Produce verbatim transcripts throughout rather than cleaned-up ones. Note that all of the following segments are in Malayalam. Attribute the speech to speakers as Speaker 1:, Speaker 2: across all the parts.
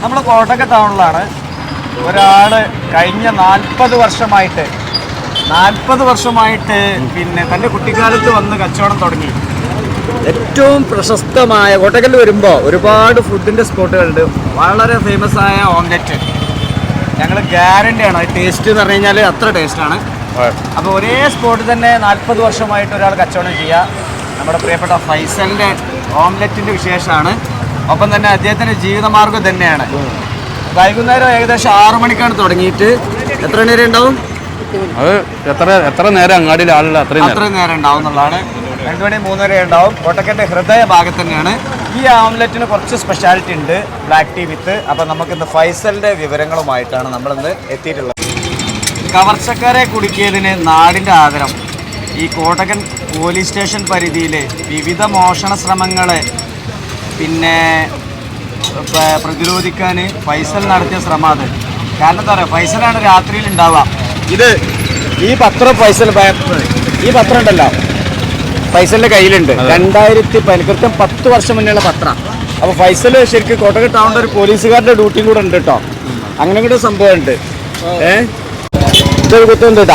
Speaker 1: നമ്മൾ കോട്ടക്കൽ ടൗണിലാണ്. ഒരാൾ കഴിഞ്ഞ നാൽപ്പത് വർഷമായിട്ട് നാൽപ്പത് വർഷമായിട്ട് പിന്നെ തൻ്റെ കുട്ടിക്കാലത്ത് വന്ന് കച്ചവടം തുടങ്ങി. ഏറ്റവും പ്രശസ്തമായ കോട്ടക്കൽ വരുമ്പോൾ ഒരുപാട് ഫുഡിൻ്റെ സ്പോട്ടുകളുണ്ട്. വളരെ ഫേമസ് ആയ ഓംലെറ്റ് ഞങ്ങൾ ഗ്യാരണ്ടിയാണ്. ടേസ്റ്റ് എന്ന് പറഞ്ഞു കഴിഞ്ഞാൽ അത്ര ടേസ്റ്റാണ്. അപ്പോൾ ഒരേ സ്പോട്ടിൽ തന്നെ നാൽപ്പത് വർഷമായിട്ട് ഒരാൾ കച്ചവടം ചെയ്യുക. നമ്മുടെ പ്രിയപ്പെട്ട ഫൈസലിൻ്റെ ഓംലെറ്റിൻ്റെ വിശേഷമാണ്. ഒപ്പം തന്നെ അദ്ദേഹത്തിൻ്റെ ജീവിതമാർഗ്ഗം തന്നെയാണ്. വൈകുന്നേരം ഏകദേശം ആറു മണിക്കാണ് തുടങ്ങിയിട്ട് എത്ര മണി വരെ ഉണ്ടാവും?
Speaker 2: അത് എത്ര എത്ര നേരം അങ്ങാടിയിൽ ആളുകൾ അത്രയും
Speaker 1: അത്രയും നേരം ഉണ്ടാവും എന്നുള്ളതാണ്. രണ്ടു മണി മൂന്ന് വരെ ഉണ്ടാവും. കോട്ടക്കലിൻ്റെ ഹൃദയ ഭാഗത്ത് തന്നെയാണ്. ഈ ഓംലെറ്റിന് കുറച്ച് സ്പെഷ്യാലിറ്റി ഉണ്ട്, ബ്ലാക്ക് ടീ വിത്ത്. അപ്പം നമുക്കിന്ന് ഫൈസലിൻ്റെ വിവരങ്ങളുമായിട്ടാണ് നമ്മളിന്ന് എത്തിയിട്ടുള്ളത്. കവർച്ചക്കാരെ കുടുക്കിയതിന് നാടിൻ്റെ ആദരം. ഈ കോട്ടക്കൽ പോലീസ് സ്റ്റേഷൻ പരിധിയിൽ വിവിധ മോഷണ ശ്രമങ്ങളെ പിന്നെ പ്രതിരോധിക്കാൻ ഫൈസൽ നടത്തിയ ശ്രമം അത്. കാരണം എന്താ പറയുക, ഫൈസലാണ് രാത്രിയിൽ ഉണ്ടാവുക. ഇത് ഈ പത്രം ഫൈസൽ ഈ പത്രം ഉണ്ടല്ലോ ഫൈസലിൻ്റെ കയ്യിലുണ്ട്. രണ്ടായിരത്തി കൃത്യം പത്ത് വർഷം മുന്നേയുള്ള പത്രം. അപ്പോൾ ഫൈസൽ ശരിക്കും കോട്ടക്കൽ ടൗണിൻ്റെ ഒരു പോലീസുകാരുടെ ഡ്യൂട്ടിയും കൂടെ ഉണ്ട് കേട്ടോ. അങ്ങനെ കൂടെ സംഭവം ഉണ്ട്. ഏഹ് ഇതൊരു കുത്തുണ്ട് കേട്ടാ.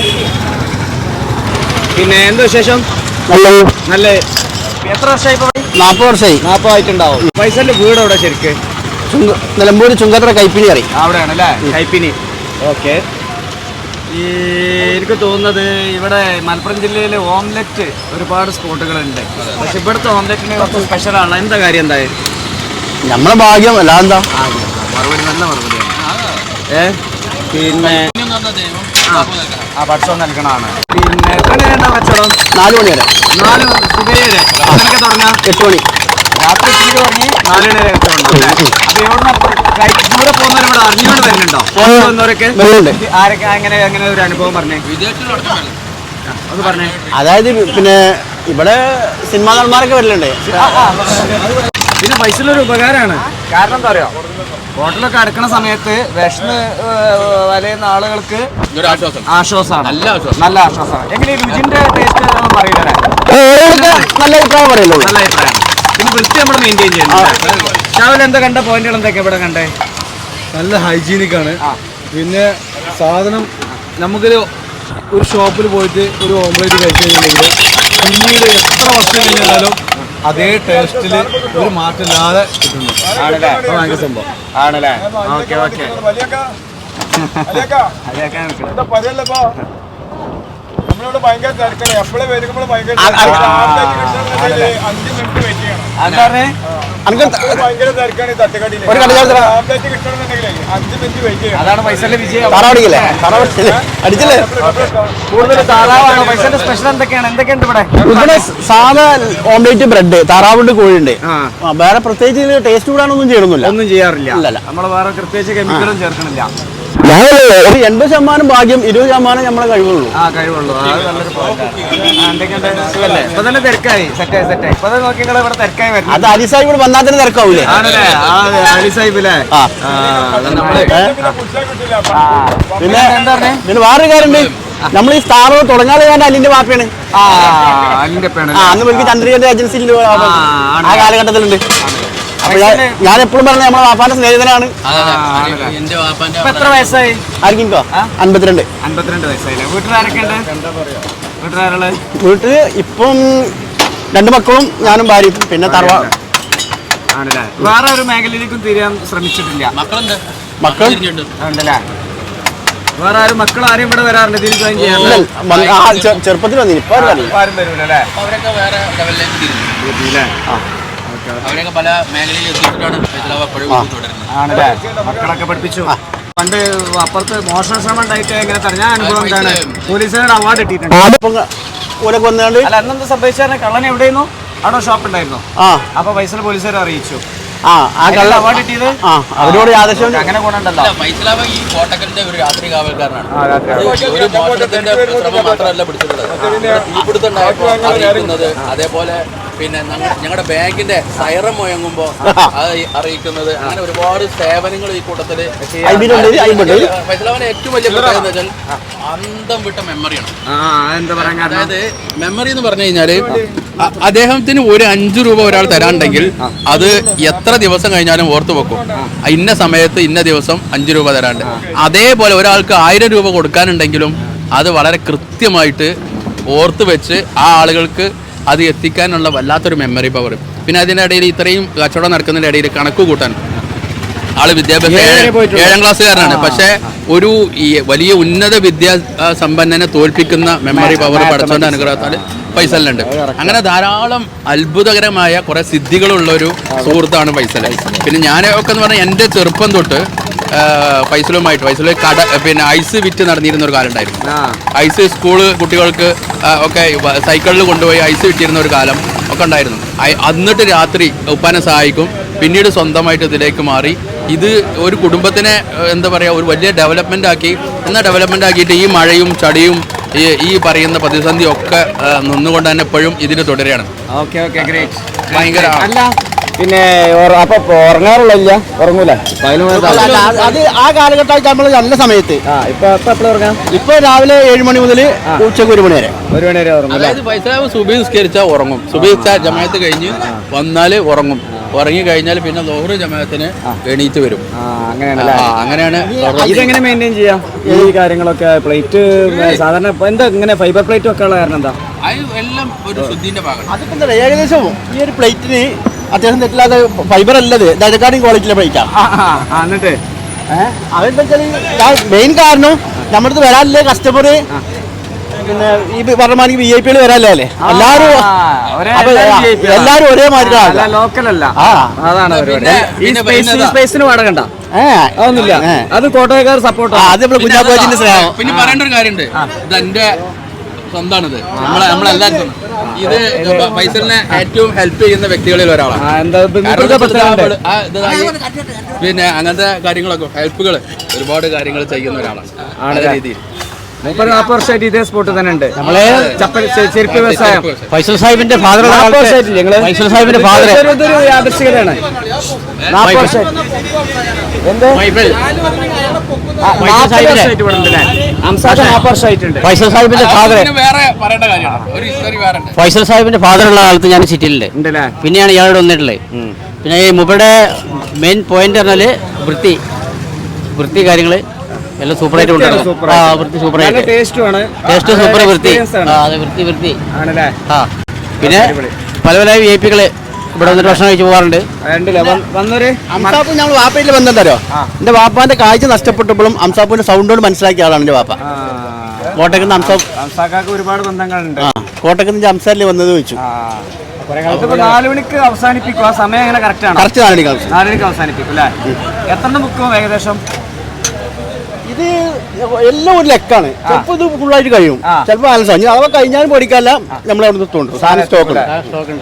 Speaker 1: പിന്നെ എന്താ വിശേഷം? നല്ല നല്ല എത്ര വർഷമായി?
Speaker 3: നാൽപ്പത് വർഷമായി.
Speaker 1: നാൽപ്പതായിട്ടുണ്ടാവും. ഫൈസലിന്റെ വീട് എവിടെ ശരിക്ക്?
Speaker 3: നിലമ്പൂർ ചുങ്കത്തറ കൈപ്പിനി കറി
Speaker 1: അവിടെയാണ് അല്ലേ? കൈപ്പിനി. ഓക്കെ. ഈ എനിക്ക് തോന്നുന്നത് ഇവിടെ മലപ്പുറം ജില്ലയിൽ ഓംലെറ്റ് ഒരുപാട് സ്പോട്ടുകളുണ്ട്. പക്ഷെ ഇവിടുത്തെ ഓംലെറ്റിന് കുറച്ച് സ്പെഷ്യലാണ്. എന്താ കാര്യം? എന്തായാലും
Speaker 3: നമ്മളെ ഭാഗ്യം അല്ല എന്താ
Speaker 1: മറുപടി നല്ല മറുപടിയാണ്. ഏ പിന്നെ ആ ഭക്ഷണം നൽകണമാണ്. പിന്നെ എത്ര നേരം കച്ചവടം?
Speaker 3: നാല് മണി വരെ.
Speaker 1: നാല് സുബൈ വരെ. അങ്ങനെയൊക്കെ തുടങ്ങാം.
Speaker 3: എട്ട് മണി
Speaker 1: രാത്രി എട്ട് തുടങ്ങി നാല് മണി വരെ കച്ചവടം. അപ്പൊ ഇവിടുന്ന് ദൂരെ പോകുന്നവർ ഇവിടെ അറിഞ്ഞുകൊണ്ട് വരുന്നുണ്ടോ? പോകുന്നവരൊക്കെ ആരൊക്കെ അങ്ങനെ അങ്ങനെ ഒരു അനുഭവം പറഞ്ഞേ, അത് പറഞ്ഞേ.
Speaker 3: അതായത് പിന്നെ ഇവിടെ സിനിമാ നടന്മാരൊക്കെ വരലുണ്ട്.
Speaker 1: പിന്നെ പൈസയിലൊരു ഉപകാരമാണ്. കാരണം എന്താ പറയുക, ഹോട്ടലൊക്കെ അടക്കണ സമയത്ത് വിഷന്ന് വലയുന്ന ആളുകൾക്ക് ആശ്വാസമാണ്. നല്ല ആശ്വാസമാണ്. എങ്ങനെ രുചിന്റെ ടേസ്റ്റ് പറയില്ലേ?
Speaker 3: നല്ല അഭിപ്രായം പറയുള്ളൂ.
Speaker 1: നല്ല അഭിപ്രായം. പിന്നെ വൃത്തി നമ്മൾ മെയിൻറ്റെയിൻ ചെയ്യുന്നത്. രാവിലെ എന്താ കണ്ട പോയിന്റുകൾ എന്തൊക്കെ ഇവിടെ കണ്ടേ?
Speaker 4: നല്ല ഹൈജീനിക് ആണ്. പിന്നെ സാധനം നമുക്കൊരു ഒരു ഷോപ്പിൽ പോയിട്ട് ഒരു ഓംലേറ്റ് കഴിച്ചു കഴിഞ്ഞിട്ടുണ്ടെങ്കിൽ പിന്നീട് എത്ര വർഷം കഴിഞ്ഞാലും അതേ ടേസ്റ്റിൽ ഒരു മാറ്റമില്ലാതെ കിട്ടുന്നു.
Speaker 1: ആണല്ലേ?
Speaker 4: ഭയങ്കര സംഭവം
Speaker 1: ആണല്ലേ? Okay okay.
Speaker 5: നമ്മളിവിടെ ഭയങ്കര തിരക്കാണ്. എപ്പോഴും വരുമ്പോൾ ഭയങ്കര അഞ്ച് മിനിറ്റ് വെയിറ്റ് ചെയ്യണം. ഭയങ്കര തിരക്കാണ് ഈ തട്ടുകടിയിൽ. ആംപ്ലേറ്റ് കിട്ടണമെന്നുണ്ടെങ്കിലേ അഞ്ച് മിനിറ്റ് വെയിറ്റ് ചെയ്യണം.
Speaker 1: അതാണ് പൈസന്റെ വിജയം.
Speaker 3: അടിച്ചില്ലേ?
Speaker 1: കൂടുതൽ താറാവാണ്. പൈസന്റെ സ്പെഷ്യൽ എന്തൊക്കെയാണ്? എന്തൊക്കെയുണ്ട് ഇവിടെ?
Speaker 3: ഇവിടെ സാധാ ഓംലേറ്റ്, ബ്രെഡ്, താറാവുണ്ട്, കോഴിയുണ്ട്. വേറെ പ്രത്യേകിച്ച് ടേസ്റ്റ് കൂടാനൊന്നും ചെയ്യണമെന്നില്ല.
Speaker 1: ഒന്നും ചെയ്യാറില്ല. നമ്മൾ വേറെ പ്രത്യേകിച്ച് കെമിക്കലും ചേർക്കണില്ല.
Speaker 3: ഒരു എൺപത് ശതമാനം ഭാഗ്യം, ഇരുപത് ശതമാനം നമ്മളെ കഴിവുള്ളൂ.
Speaker 1: ആ കഴിവുള്ളൂ. അത് നല്ലൊരു പോയിന്റാണ്. ഇപ്പൊ തന്നെ തിരക്കായി സെറ്റായി സെറ്റായി. ഇപ്പൊ തന്നെ നോക്കി ഇവിടെ തിരക്കായി വരുന്നത്.
Speaker 3: അത് അലി സാഹിബ് ഇവിടെ വന്നാൽ തന്നെ തിരക്കാവൂലേ?
Speaker 1: ആണല്ലേ? അലി സാഹിബ് അല്ലേ?
Speaker 3: പിന്നെ എന്താ പറഞ്ഞേ? പിന്നെ വേറൊരു കാര്യമുണ്ട്. നമ്മൾ ഈ സ്ഥാപനം തുടങ്ങാതെ ഞാൻ അലിന്റെ വാപ്പയാണ്. അന്ന് എനിക്ക് ചന്ദ്രികന്റെ ഏജൻസിയിൽ ആ കാലഘട്ടത്തിലുണ്ട്. അപ്പൊ ഞാൻ എപ്പോഴും പറഞ്ഞ നമ്മളെ വാപ്പാന്റെ സ്നേഹിതനാണ്.
Speaker 1: എത്ര വയസ്സായി?
Speaker 3: ആർക്കിക്കോ? അൻപത്തിരണ്ട്.
Speaker 1: അൻപത്തിരണ്ട് വയസ്സായില്ലേ? വീട്ടിലാരൊക്കെ ഉണ്ട്? വീട്ടിലാരുള്ളത്?
Speaker 3: വീട്ടില് ഇപ്പം രണ്ടു മക്കളും ഞാനും ഭാര്യയും. പിന്നെ തറവാ
Speaker 1: ആണല്ലേ? വേറെ ഒരു മേഖലയിലേക്കും തിരിയാൻ ശ്രമിച്ചിട്ടില്ല?
Speaker 3: മക്കളുണ്ട്. മക്കൾ
Speaker 1: ഉണ്ടല്ലേ? വേറെ ആരും മക്കൾ ആരും ഇവിടെ വരാറുണ്ട്? ഇതിൽ ജോയിൻ ചെയ്യാറില്ല?
Speaker 3: ചെറുപ്പത്തിൽ വന്നില്ല. ഇപ്പൊ
Speaker 1: ആരും വരൂലല്ലേ?
Speaker 6: അവരൊക്കെ വേറെ ലെവലിലേക്ക് തിരിഞ്ഞു. അവരൊക്കെ പല മേഖലയിൽ എത്തിയിട്ടാണ്
Speaker 1: ആണല്ലേ? മക്കളൊക്കെ പഠിപ്പിച്ചു. പണ്ട് അപ്പുറത്ത് മോഷണ ശ്രമം ഉണ്ടായിട്ട് എങ്ങനെ തടഞ്ഞ അനുഭവം എന്താണ്? പോലീസുകാരുടെ അവാർഡ് കിട്ടിയിട്ടുണ്ട്. അല്ല, അന്നെന്ത് സംഭവിച്ചാൽ കള്ളൻ എവിടെയായിരുന്നു? അവിടെ ഷോപ്പ് ഉണ്ടായിരുന്നു. അപ്പൊ പൈസ പോലീസുകാരെ അറിയിച്ചു. അവാർഡ് കിട്ടിയത്
Speaker 3: അവരോട്
Speaker 1: അങ്ങനെ ഗുണമുണ്ടല്ലോ.
Speaker 6: ഫൈസലാബ ഈ കോട്ടക്കലിന്റെ ഒരു രാത്രി കാവൽക്കാരനാണ്. ഒരു മോഷണത്തിന്റെ ശ്രമം മാത്രമല്ല പിടിച്ചിട്ടുള്ളത്. തീപിടുത്തം ഉണ്ടായപ്പോൾ അറിയിക്കുന്നത്, അതേപോലെ പിന്നെ ഞങ്ങളുടെ ബാങ്കിന്റെ സൈറം മുഴങ്ങുമ്പോൾ അത് അറിയിക്കുന്നത്, അങ്ങനെ ഒരുപാട് സേവനങ്ങൾ ഈ കൂട്ടത്തില്. ഫൈസലാവിന്റെ ഏറ്റവും വലിയ പ്രത്യേകത എന്ന് വെച്ചാൽ അന്തം വിട്ട മെമ്മറിയാണ്. അതായത് മെമ്മറി എന്ന് പറഞ്ഞു കഴിഞ്ഞാല് അദ്ദേഹത്തിന് ഒരു അഞ്ചു രൂപ ഒരാൾ തരാനുണ്ടെങ്കിൽ അത് എത്ര ദിവസം കഴിഞ്ഞാലും ഓർത്തു വെക്കും. ഇന്ന സമയത്ത് ഇന്ന ദിവസം അഞ്ചു രൂപ തരാണ്ട്. അതേപോലെ ഒരാൾക്ക് ആയിരം രൂപ കൊടുക്കാനുണ്ടെങ്കിലും അത് വളരെ കൃത്യമായിട്ട് ഓർത്ത് വെച്ച് ആ ആളുകൾക്ക് അത് എത്തിക്കാനുള്ള വല്ലാത്തൊരു മെമ്മറി പവർ. പിന്നെ അതിൻ്റെ ഇടയിൽ ഇത്രയും കച്ചവടം നടക്കുന്നതിൻ്റെ ഇടയിൽ കണക്ക് കൂട്ടാൻ ആള് വിദ്യാഭ്യാസം ഏഴാം ക്ലാസ്സുകാരനാണ്. പക്ഷേ ഒരു ഈ വലിയ ഉന്നത വിദ്യാ സമ്പന്നനെ തോൽപ്പിക്കുന്ന മെമ്മറി പവർ പഠിച്ചോണ്ട് അനുഗ്രഹത്താൽ ഫൈസലിനുണ്ട്. അങ്ങനെ ധാരാളം അത്ഭുതകരമായ കുറെ സിദ്ധികളുള്ള ഒരു സുഹൃത്താണ് ഫൈസൽ. പിന്നെ ഞാനൊക്കെ എന്ന് പറഞ്ഞാൽ എൻ്റെ ചെറുപ്പം തൊട്ട് ഫൈസലുമായിട്ട് ഫൈസൽ കട പിന്നെ ഐസ് വിറ്റ് നടന്നിരുന്ന ഒരു കാലം ഉണ്ടായിരുന്നു. ഐസ് സ്കൂള് കുട്ടികൾക്ക് ഒക്കെ സൈക്കിളിൽ കൊണ്ടുപോയി ഐസ് വിറ്റിരുന്ന ഒരു കാലം ഒക്കെ ഉണ്ടായിരുന്നു. എന്നിട്ട് രാത്രി ഉപ്പാനെ സഹായിക്കും. പിന്നീട് സ്വന്തമായിട്ട് ഇതിലേക്ക് മാറി. ഇത് ഒരു കുടുംബത്തിനെ എന്താ പറയുക ഒരു വലിയ ഡെവലപ്മെൻ്റ് ആക്കി. എന്നാൽ ഡെവലപ്മെൻ്റ് ആക്കിയിട്ട് ഈ മഴയും ചടിയും ഈ ഈ പറയുന്ന പ്രതിസന്ധി ഒക്കെ നിന്നുകൊണ്ട് തന്നെ എപ്പോഴും ഇതിന് തുടരുകയാണ്.
Speaker 1: Okay okay great.
Speaker 6: ഭയങ്കര
Speaker 3: അല്ല പിന്നെ അപ്പൊ ഉറങ്ങാറുള്ള ഉറങ്ങൂല അത് ആ കാലഘട്ടമായിട്ട് നമ്മൾ നല്ല സമയത്ത്.
Speaker 1: ഇപ്പൊ എപ്പോഴും ഉറങ്ങാം.
Speaker 3: ഇപ്പൊ രാവിലെ ഏഴ് മണി മുതൽ ഉച്ചക്ക് ഒരു മണി വരെ
Speaker 1: ഒരു മണി വരെ ഉറങ്ങും.
Speaker 6: അതായത് ഫൈസലാവ് സുബഹി നിസ്കരിച്ചാൽ ഉറങ്ങും. സുബഹി ജമാഅത്ത് കഴിഞ്ഞ് വന്നാൽ ഉറങ്ങും. ഉറങ്ങി കഴിഞ്ഞാൽ പിന്നെ ലോഹർ ജമാഅത്തിന് എണീറ്റ് വരും.
Speaker 1: അങ്ങനെയാണ്
Speaker 6: അങ്ങനെയാണ്.
Speaker 1: ഇതെങ്ങനെ മെയിൻറ്റെയിൻ ചെയ്യാം ഈ കാര്യങ്ങളൊക്കെ? പ്ലേറ്റ് സാധാരണ എന്താ ഇങ്ങനെ ഫൈബർ പ്ലേറ്റ് ഒക്കെ ഉള്ള കാരണം എന്താ?
Speaker 6: എല്ലാം ഒരു ശുദ്ധിന്റെ ഭാഗമാണ്.
Speaker 3: അതിപ്പോ എന്താ ഏകദേശം ഈ ഒരു പ്ലേറ്റിന് അത്യാവശ്യം തെറ്റില്ലാതെ ഫൈബർ അല്ലത് ദജക്കാടും ക്വാളിറ്റിയിലെ പ്ലേറ്റാണ്.
Speaker 1: എന്നിട്ട്
Speaker 3: അതെന്താ വെച്ചാൽ മെയിൻ കാരണം നമ്മുടെ അടുത്ത് വരാനില്ലേ കസ്റ്റമർ പിന്നെ ഈ പറഞ്ഞ വി ഐ പി വരാല്ലേ അല്ലേ എല്ലാരും എല്ലാരും ഒരേ മാതിരി
Speaker 1: ലോക്കലല്ല.
Speaker 3: അതാണ്
Speaker 1: സ്പേസിന് വാടകണ്ട അതൊന്നുമില്ല. അത് കോട്ടയക്കാർ സപ്പോർട്ട്.
Speaker 3: അത് നമ്മള് കുഞ്ഞാക്കോച്ചിന്റെ സ്നേഹം.
Speaker 6: പിന്നെ പറയേണ്ട ഒരു കാര്യമുണ്ട്. ഇത് എന്റെ സ്വന്തമാണിത്. നമ്മളെ നമ്മളെല്ലാവരും ഇത് ഫൈസലിനെ ഏറ്റവും ഹെൽപ്പ് ചെയ്യുന്ന വ്യക്തികളിൽ ഒരാളാണ്. പിന്നെ അങ്ങനത്തെ കാര്യങ്ങളൊക്കെ ഹെൽപ്പുകൾ ഒരുപാട് കാര്യങ്ങൾ ചെയ്യുന്ന ഒരാളാണ്. ആ രീതിയിൽ
Speaker 1: മുപ്പത് നാൽപ്പത് വർഷമായിട്ട് ഇതേ സ്പോട്ട് തന്നെ ഉണ്ട്. നമ്മളെ ചെരുപ്പ് വ്യവസായം.
Speaker 3: ഫൈസൽ സാഹിബിന്റെ ഫാദർ ഫൈസൽ സാഹിബിന്റെ ഫാദർ
Speaker 1: യാദൃശ്ചികതയാണ്. നാൽപ്പത് വർഷമായിട്ട്
Speaker 3: ഫൈസൽ സാഹിബിന്റെ ഫാദർ
Speaker 6: വേറെ പറയേണ്ട കാര്യമാണ്. ഒരു ഹിസ്റ്ററി വേറെ ഉണ്ട്.
Speaker 3: ഫൈസൽ സാഹിബിന്റെ ഫാദർ ഉള്ള കാലത്ത് ഞാൻ സിറ്റിയിലുണ്ട്. പിന്നെയാണ് ഇയാളോട് വന്നിട്ടുള്ളത്. പിന്നെ ഈ മുബയുടെ മെയിൻ പോയിന്റ് പറഞ്ഞാല് വൃത്തി വൃത്തി കാര്യങ്ങള് എല്ലാം സൂപ്പറായിട്ട് കൊണ്ടുവരണം. ആ വൃത്തി സൂപ്പറായിട്ട് ടേസ്റ്റ് സൂപ്പർ വൃത്തി. അതെ വൃത്തി വൃത്തി ആ. പിന്നെ പല പല വി ഐ പികള് ഇവിടെ വന്നിട്ട് ഭക്ഷണം കഴിച്ച് പോകാറുണ്ട്. അംസാപ്പ് ഞങ്ങൾ വാപ്പയിൽ ബന്ധമുണ്ടോ? എന്റെ വാപ്പാന്റെ കാഴ്ച നഷ്ടപ്പെട്ടപ്പോഴും അംസാപ്പിന്റെ സൗണ്ട് കൊണ്ട് മനസ്സിലാക്കിയ ആളാണ് എന്റെ വാപ്പ. കോട്ടയ്ക്ക്
Speaker 1: അംസാക്കാക്ക് ഒരുപാട് ബന്ധങ്ങളുണ്ട്.
Speaker 3: ആ കോട്ടയ്ക്ക് നിന്ന് അംസാരിൽ വന്നത് വെച്ചു.
Speaker 1: നാല് മണിക്ക് അവസാനിപ്പിക്കും. ആ സമയം എങ്ങനെ കറക്റ്റ് ആണ്?
Speaker 3: കറക്റ്റ് നാല് മണിക്ക്
Speaker 1: നാല് മണിക്ക് അവസാനിപ്പിക്കും അല്ലേ? എത്ര ബുക്കും ഏകദേശം?
Speaker 3: ഇത് എല്ലാം ഒരു ലെക്കാണ്. ചിലപ്പോൾ ഇത് ഫുള്ളായിട്ട് കഴിയും, ചിലപ്പോൾ ബാലൻസ് ആണ്. അഥവാ കഴിഞ്ഞാലും പേടിക്കാല്ല. നമ്മൾ അവിടെ നിർത്തുന്നുണ്ട് സാധനം സ്റ്റോക്ക് ഉണ്ട്.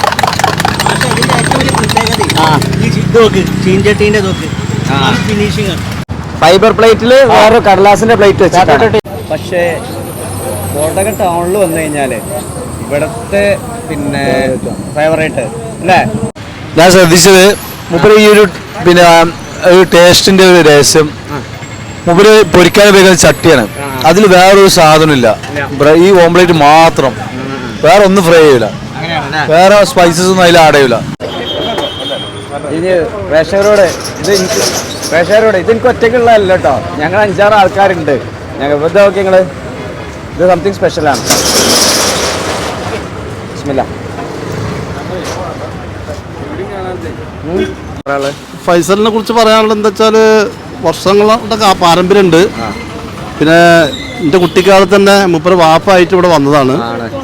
Speaker 1: ഫൈബർ പ്ലേറ്റിൽ വേറെ കടലാസിന്റെ പ്ലേറ്റ് വെച്ചിട്ടാണ്. പക്ഷേ കോട്ടയം ടൗണിൽ വന്നു കഴിഞ്ഞാല് ഇവിടത്തെ പിന്നെ ഫേവറേറ്റ് അല്ലേ?
Speaker 4: ഞാൻ ശ്രദ്ധിച്ചത് മുപ്പര് ഈ ഒരു പിന്നെ ഒരു ടേസ്റ്റിന്റെ ഒരു രഹസ്യം മുപ്പര് പൊരിക്കാൻ ഉപയോഗിക്കുന്ന ചട്ടിയാണ്. അതിൽ വേറൊരു സാധനമില്ല. ഈ ഓംപ്ലേറ്റ് മാത്രം, വേറെ ഒന്നും ഫ്രൈ ചെയ്യൂല, വേറെ സ്പൈസസ് ഒന്നും അതിൽ ആഡ് ചെയ്യൂല.
Speaker 1: ഇനി പ്രേക്ഷകരോട് ഇത് എനിക്ക് പ്രേക്ഷകരോട് ഇത് എനിക്ക് ഒറ്റയ്ക്കുള്ളതല്ല കേട്ടോ. ഞങ്ങൾ അഞ്ചാറ് ആൾക്കാരുണ്ട്. ഞങ്ങൾ ഇത് നോക്കി നിങ്ങള് ഇത് സംതിങ് സ്പെഷ്യലാണ്. ബിസ്മില്ലാ.
Speaker 2: ഫൈസലിനെ കുറിച്ച് പറയാനുള്ളത് എന്താ വെച്ചാൽ വർഷങ്ങളുടെ പാരമ്പര്യമുണ്ട്. പിന്നെ എൻ്റെ കുട്ടിക്കാലത്ത് തന്നെ മുപ്പര് വാപ്പായിട്ട് ഇവിടെ വന്നതാണ്.